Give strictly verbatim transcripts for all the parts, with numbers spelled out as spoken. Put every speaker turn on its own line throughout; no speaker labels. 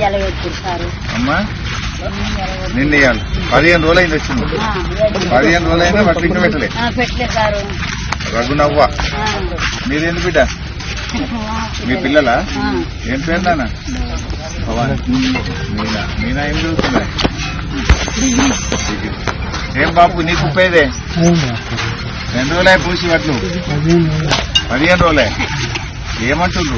అమ్మా నిన్న ఇవ్వాలి పదిహేను రోజులు అయింది వచ్చింది పదిహేను రోజులు అయినా బట్టలు ఇంకా పెట్టలే రఘునవ్వ మీరేంటి బిడ్డ మీ పిల్లలా ఏం పేరు నాన్న మీనా మీనా ఏం చదువుతున్నా ఏం బాబు నీకు ఉపయోగదే రెండు రోజులే పూసి వడ్లు పదిహేను రోజులే ఏమంటుండ్రు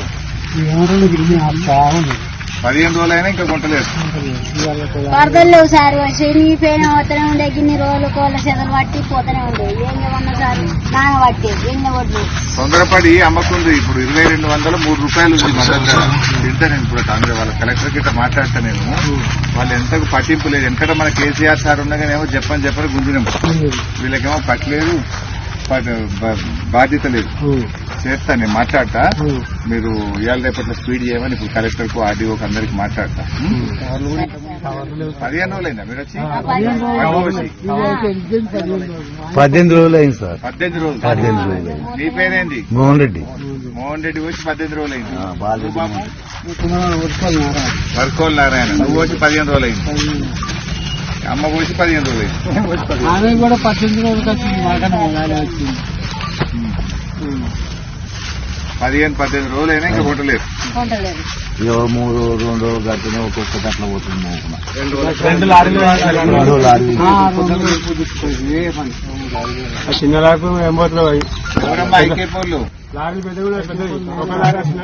పదిహేను రోజులైనా ఇంకా కొంటలేదు
వరదలు లేవు సార్ చెడిపోయిన పోతూనే ఉండే గిన్ని రోజులు కోళ్ళ చెదలు పట్టి పోతూనే ఉండే ఏం ఉన్నా సార్ నాన పట్టి ఏం వడ్లు
తొందరపడి అమ్మకుంది ఇప్పుడు ఇరవై రెండు వందల మూడు రూపాయలు ఉంది మద్దతు ధర తింటా నేను ఇప్పుడు కాంగ్రెస్ వాళ్ళ కలెక్టర్ గిట్ట మాట్లాడతా నేను వాళ్ళు ఎంతకు పట్టింపు లేదు ఎంతట మన కేసీఆర్ సార్ ఉండగానేమో చెప్పని చెప్పని గుంజినాం వీళ్ళకేమో పట్టలేదు బాధ్యత లేదు చేస్తా నేను మాట్లాడతా మీరు ఇవాళ రేపట్లో స్పీడ్ చేయమని ఇప్పుడు కలెక్టర్ కు ఆర్డీఓకి అందరికి మాట్లాడతా పదిహేను రోజులైందా మీరు వచ్చి
పద్దెనిమిది రోజులు అయింది సార్
పద్దెనిమిది రోజులు
పద్దెనిమిది రోజులు
నీ పేరేంది
మోహన్ రెడ్డి
మోహన్ రెడ్డి వచ్చి పద్దెనిమిది రోజులు అయింది
బాగా
వర్కోల్ నారాయణ నువ్వు వచ్చి పదిహేను రోజులు అయింది అమ్మ పోసి పదిహేను రోజులు అయింది
ఆమె కూడా పద్దెనిమిది రోజులకి వచ్చింది మాకన్నా వచ్చింది
పదిహేను పద్దెనిమిది రోజులు అయినా ఇంకా కొట్టలేదు
మూడు రెండు రోజులు గడిపిన ఒక్కొక్కటి అట్లా పోతుంది
చిన్న లాకు ఏం పోతున్నావు
ఎవరమ్మా ఐకేపోళ్ళు
లారీ పెద్ద కూడా పెద్దది ఒక లారీ చిన్న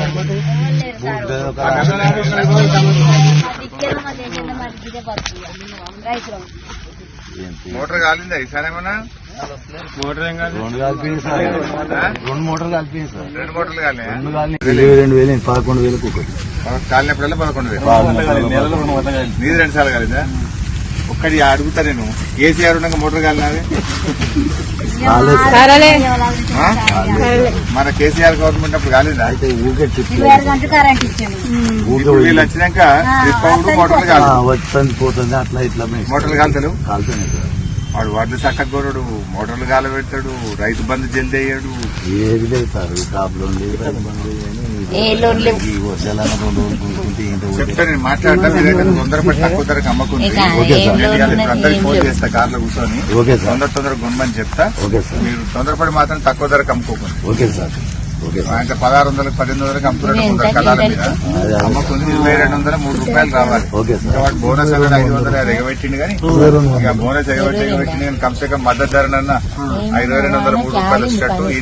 మోటార్ కాలిందా ఈసారి ఏమన్నా
మోటార్ ఏం కాదు
రెండు కలిపింది సార్ రెండు మోటార్లు కలిపింది సార్
రెండు మోటార్లు కాలే
రెండు కాలి ఇరవై రెండు వేలు పదకొండు వేలకు ఒకటి
కాలినప్పుడల్లా పదకొండు వేలు నీది రెండు సార్లు కాలేదా ఒక్కడి అడుగుతా నేను కేసీఆర్ ఉండగా మోటార్ కాలినది మన కేసీఆర్ గవర్నమెంట్ అప్పుడు కాలేదా
అయితే ఊకే
వీళ్ళు వచ్చినాక మోటార్లు కాదు
వస్తుంది పోతుంది అట్లా ఇట్లా
మోటార్లు కాలుతారు
కాలుతున్నాయి సార్
వాడు వాటిని చక్కగోడు మోటార్లు గాల పెడతాడు రైతు బంధు జల్ది అయ్యాడు
ఏది లేదు సార్ కాపులో రైతు బంధు
చెప్తా నేను మాట్లాడతా మీరైతే తొందరపడి తక్కువ ధరకు అమ్మకుంది అందరికి ఫోన్ చేస్తా కార్లో కూర్చొని తొందర తొందర గుమ్మని చెప్తా మీరు తొందరపడి మాత్రం తక్కువ ధరకు అమ్ముకోకండి
ఓకే సార్
ఆయన పదహారు వందలకు పద్దెనిమిది వందలకు అమ్ముకున్నట్టు కళాల మీద అమ్మకుంది ఇరవై రెండు వందల మూడు రూపాయలు రావాలి వాడు బోనస్ అనేది ఐదు వందలు అది ఎగబెట్టింది కానీ ఇక బోనస్ ఎగబెట్టి ఎగబెట్టింది కానీ కంసే కం మద్దతు ధరనన్నా ఇరవై రెండు వందల మూడు రూపాయలు వచ్చేటట్టు